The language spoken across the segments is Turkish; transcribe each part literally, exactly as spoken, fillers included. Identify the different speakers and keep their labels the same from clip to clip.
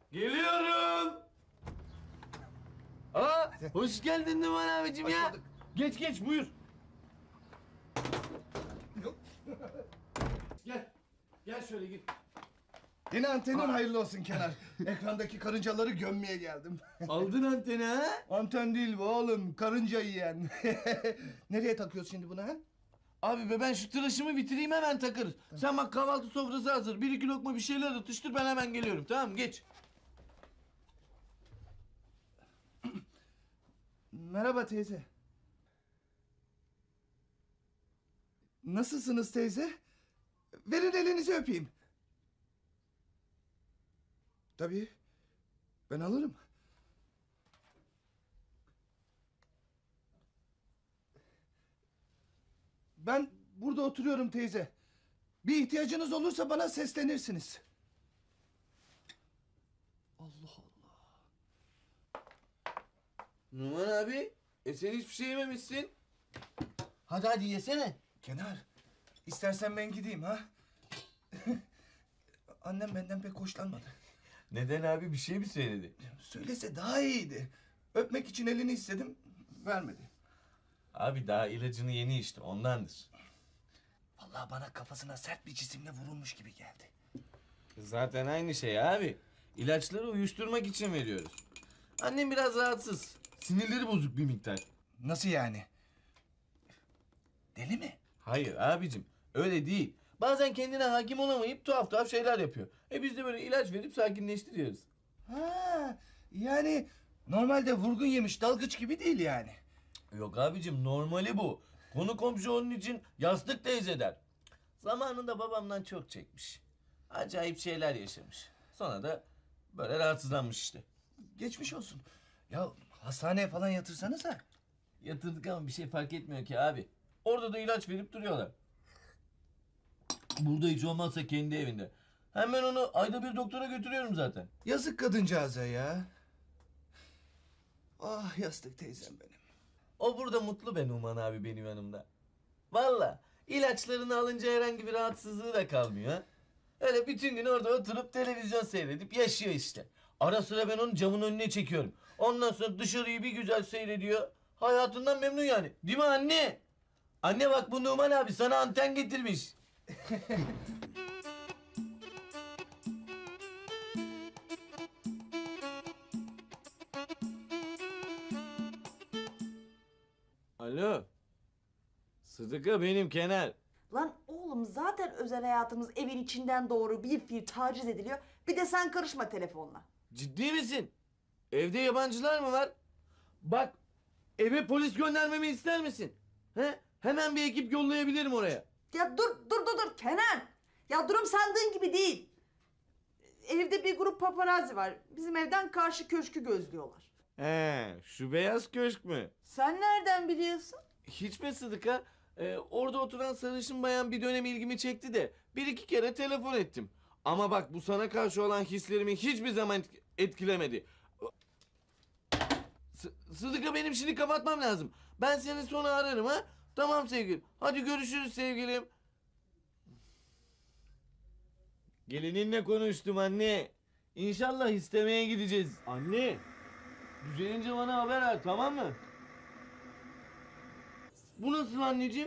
Speaker 1: Geliyorum. Aa, hoş geldin Numan abicim ya. Geç geç buyur. Gel. Gel şöyle git.
Speaker 2: Yeni antenin hayırlı olsun Kenar. Ekrandaki karıncaları gömmeye geldim.
Speaker 1: Aldın anteni ha?
Speaker 2: Anten değil bu oğlum, karınca yiyen. Nereye takıyoruz şimdi bunu ha?
Speaker 1: Abi be ben şu tıraşımı bitireyim hemen takarız. Sen bak kahvaltı sofrası hazır. Bir iki lokma bir şeyler atıştır ben hemen geliyorum tamam mı? Geç.
Speaker 2: Merhaba teyze. Nasılsınız teyze? Verin elinizi öpeyim. Tabii. Ben alırım. Ben burada oturuyorum teyze. Bir ihtiyacınız olursa bana seslenirsiniz. Allah Allah.
Speaker 1: Numan abi, e sen hiçbir şey yememişsin. Hadi hadi yesene.
Speaker 2: Kenar, istersen ben gideyim ha. Annem benden pek hoşlanmadı.
Speaker 1: Neden abi bir şey mi söyledi?
Speaker 2: Söylese daha iyiydi. Öpmek için elini istedim, vermedi.
Speaker 1: Abi daha ilacını yeni içti ondandır.
Speaker 2: Vallahi bana kafasına sert bir cisimle vurulmuş gibi geldi.
Speaker 1: Zaten aynı şey abi. İlaçları uyuşturmak için veriyoruz. Annem biraz rahatsız. Sinirleri bozuk bir miktar.
Speaker 2: Nasıl yani? Deli mi?
Speaker 1: Hayır abicim öyle değil. Bazen kendine hakim olamayıp tuhaf tuhaf şeyler yapıyor. E biz de böyle ilaç verip sakinleştiriyoruz.
Speaker 2: Ha, yani normalde vurgun yemiş dalgıç gibi değil yani.
Speaker 1: Yok abicim normali bu. Konu komşu onun için yastık teyze der. Zamanında babamdan çok çekmiş. Acayip şeyler yaşamış. Sonra da böyle rahatsızlanmış işte.
Speaker 2: Geçmiş olsun. Ya hastaneye falan yatırsanıza.
Speaker 1: Yatırdık ama bir şey fark etmiyor ki abi. Orada da ilaç verip duruyorlar. Burada hiç olmazsa kendi evinde. Hem ben onu ayda bir doktora götürüyorum zaten.
Speaker 2: Yazık kadıncağıza ya. Ah yastık teyzem benim.
Speaker 1: O burada mutlu be Numan abi benim yanımda. Valla ilaçlarını alınca herhangi bir rahatsızlığı da kalmıyor. Ha? Öyle bütün gün orada oturup televizyon seyredip yaşıyor işte. Ara sıra ben onu camın önüne çekiyorum. Ondan sonra dışarıyı bir güzel seyrediyor. Hayatından memnun yani. Değil mi anne? Anne bak bu Numan abi sana anten getirmiş. Alo. Sıdıka benim Kenar.
Speaker 3: Lan oğlum zaten özel hayatımız evin içinden doğru bir fiil taciz ediliyor. Bir de sen karışma telefonla.
Speaker 1: Ciddi misin? Evde yabancılar mı var? Bak eve polis göndermemi ister misin? He? Hemen bir ekip yollayabilirim oraya.
Speaker 3: Ya dur dur dur dur Kenan. Ya durum sandığın gibi değil. Evde bir grup paparazzi var. Bizim evden karşı köşkü gözlüyorlar.
Speaker 1: He, şu beyaz köşk mü?
Speaker 3: Sen nereden biliyorsun?
Speaker 1: Hiç mi Sıdıka? Ee, orada oturan sarışın bayan bir dönem ilgimi çekti de bir iki kere telefon ettim. Ama bak bu sana karşı olan hislerimi hiçbir zaman etk- etkilemedi. S- Sıdıka benim şimdi kapatmam lazım. Ben seni sonra ararım ha. Tamam sevgilim. Hadi görüşürüz sevgilim. Gelininle konuştum anne. İnşallah istemeye gideceğiz. Anne. Düzelince bana haber ver tamam mı? Bu nasıl anneciğim?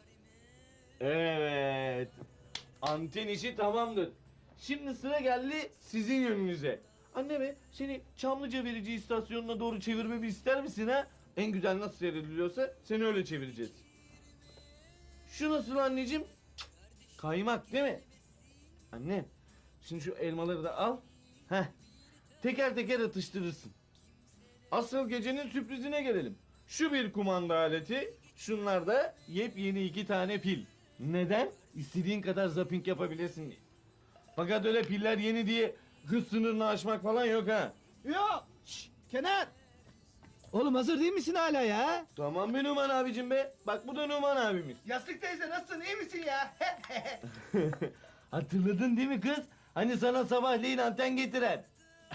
Speaker 1: Evet. Anten işi tamamdır. Şimdi sıra geldi sizin yönünüze. Anne be seni Çamlıca verici istasyonuna doğru çevirmemi ister misin ha? En güzel nasıl seyrediliyorsa seni öyle çevireceğiz. Şu nasıl anneciğim? Cık, kaymak değil mi? Anne şimdi şu elmaları da al. Heh. Teker teker atıştırırsın. Asıl gecenin sürprizine gelelim. Şu bir kumanda aleti, şunlar da yepyeni iki tane pil. Neden? İstediğin kadar zapping yapabilirsin diye. Fakat öyle piller yeni diye hız sınırını aşmak falan yok ha.
Speaker 4: Yok. Şşş, Kenan. Oğlum hazır değil misin hala ya?
Speaker 1: Tamam be Numan abicim be. Bak bu da Numan abimiz.
Speaker 2: Yastık teyze nasılsın, iyi misin ya?
Speaker 1: Hatırladın değil mi kız? Hani sana sabahleyin anten getiren.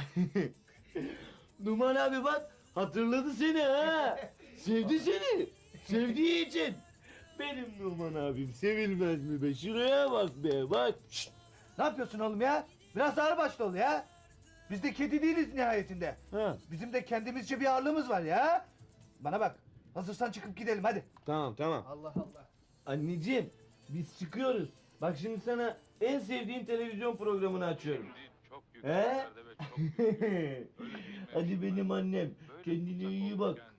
Speaker 1: Numan abi bak hatırladı seni ha. Sevdi seni. Sevdiği için. Benim Numan abim sevilmez mi be? Şuraya bak be bak. Şşt.
Speaker 4: Ne yapıyorsun oğlum ya? Biraz ağır başlı ol ya.
Speaker 2: Biz de kedi değiliz nihayetinde.
Speaker 1: Ha,
Speaker 2: Bizim de kendimizce bir ağırlığımız var ya. Bana bak. Hazırsan çıkıp gidelim hadi.
Speaker 1: tamam tamam.
Speaker 2: Allah Allah.
Speaker 1: Anneciğim biz çıkıyoruz. Bak şimdi sana en sevdiğin televizyon programını açıyorum.
Speaker 5: Çok
Speaker 1: He? Hadi benim annem. Kendine iyi bak.